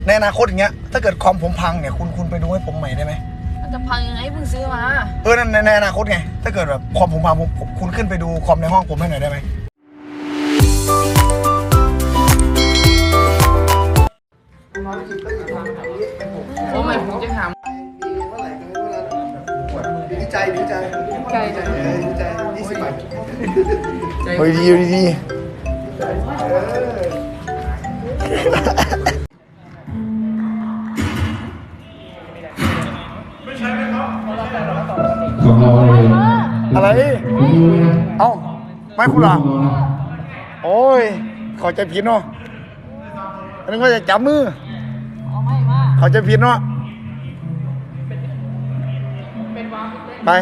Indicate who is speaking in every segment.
Speaker 1: ในอนาคตอย่างเงี้ยถ้าเกิดคอมผมพังเนี่ยคุณไปดูให้ผมใหม่ได้ไหม
Speaker 2: มันจะพังยังไงเพิ่งซื้อมา
Speaker 1: นั่นในอนาคตไงถ้าเกิดแบบคอมผมพังคุณขึ้นไปดูคอมในห้องผมให้หน่อยได้ไหม
Speaker 2: โอ้ไม่ผมจะถาม
Speaker 1: ดีใจ20 บาทเฮ้ยดี
Speaker 3: ของเราเลย
Speaker 1: อะไรเอ้าไม่คุณเหรอโอ้ยเขาใจผิดเนาะอันนั้นก็จะจับมือเขาใจผิดเนาะไป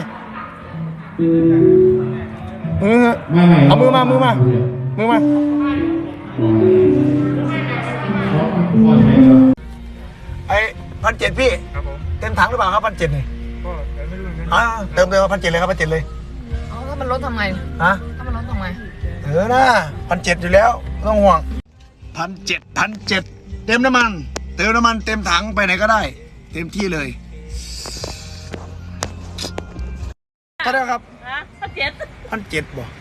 Speaker 1: เอามือมาไอ้1,700พี่เต็มถังหรือเปล่าครับ1,700นี่เติมเลย1,700เลยครับ1,700เลย
Speaker 2: ถ้ามันลดทำไง
Speaker 1: ฮะ
Speaker 2: ถ้ามันลดทำไง
Speaker 1: นะ1,700อยู่แล้วไม่ต้องห่วง1,700เต็มน้ำมันเต็มถังไปไหนก็ได้เต็มที่เลยเท่าไหร่ครับ1,700บ่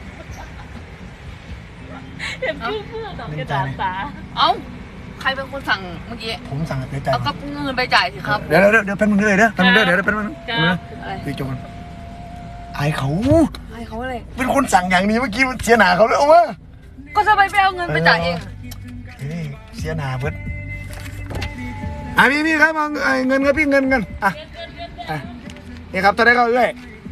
Speaker 2: เห็นชื่อเพื่อนกระดาษตาเอ้าใครเป็นคนสั่งเมื่อกี้
Speaker 1: ผมสั่งไปจ่าย
Speaker 2: เอาก็เงินไปจ่ายสิครับ
Speaker 1: เดี๋ยวเป็นมึงเลยเดี๋ยวเป็นมึงคือโจรไอ้เขา
Speaker 2: อะไร
Speaker 1: เป็นคนสั่งอย่างนี้เมื่อกี้เสียหนาเขาเลยเอาวะ
Speaker 2: ก็จะไปเอาเงินไปจ่ายเอง
Speaker 1: เสียหนาเพิ่นพี่ครับเงินครับพี่เงินนี่ครับตอนนี้เขาเอ้ย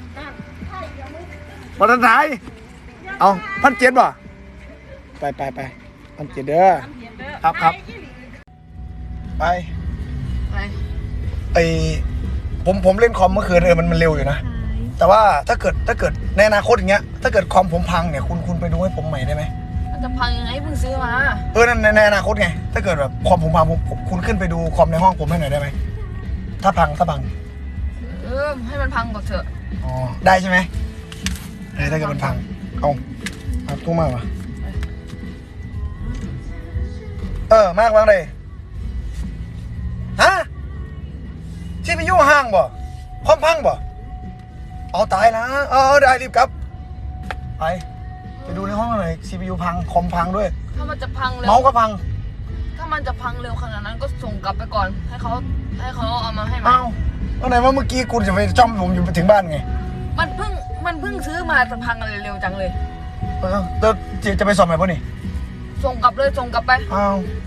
Speaker 1: บอลทันทายเอา1,700บ่ไป1,700เด้อครับไปผมเล่นคอมเมื่อคืนมันเร็วอยู่นะแต่ว่าถ้าเกิดในอนาคตอย่างเงี้ยถ้าเกิดคอมผมพังเนี่ยคุณไปดูให้ผมใหม่ได้ไหม
Speaker 2: มันจะพังยังไงเพิ่งซื้อมา
Speaker 1: นั่นในอนาคตไงถ้าเกิดแบบคอมผมพังคุณขึ้นไปดูคอมในห้องผมให้หน่อยได้ไหมถ้าพัง
Speaker 2: ให้มันพังก่อนเถอะ
Speaker 1: อ๋อได้ใช่ไหมถ้าเกิดมันพังเอาตู้มากวะมากเลยฮะที่ไปยุ่งห้างบ่คอมพังบ่เอาตายนะได้รีบกลับไปดูในห้องหน่อย CPU พังคอมพังด้วย
Speaker 2: ถ้ามันจะพังเร็ว
Speaker 1: เมาส์ก็พัง
Speaker 2: ถ้ามันจะพังเร็วขนาดนั้นก็ส่งกลับไปก่อนให้เขาเอามาให้
Speaker 1: มาไหนว่าเมื่อกี้คุณจะไปจ้อมผมอยู่ถึงบ้านไง
Speaker 2: มันเพิ่งซื้อมาจะพังอะไรเร็วจังเลย
Speaker 1: จะไปสอบไหนป่ะนี่
Speaker 2: ส่งกลับไป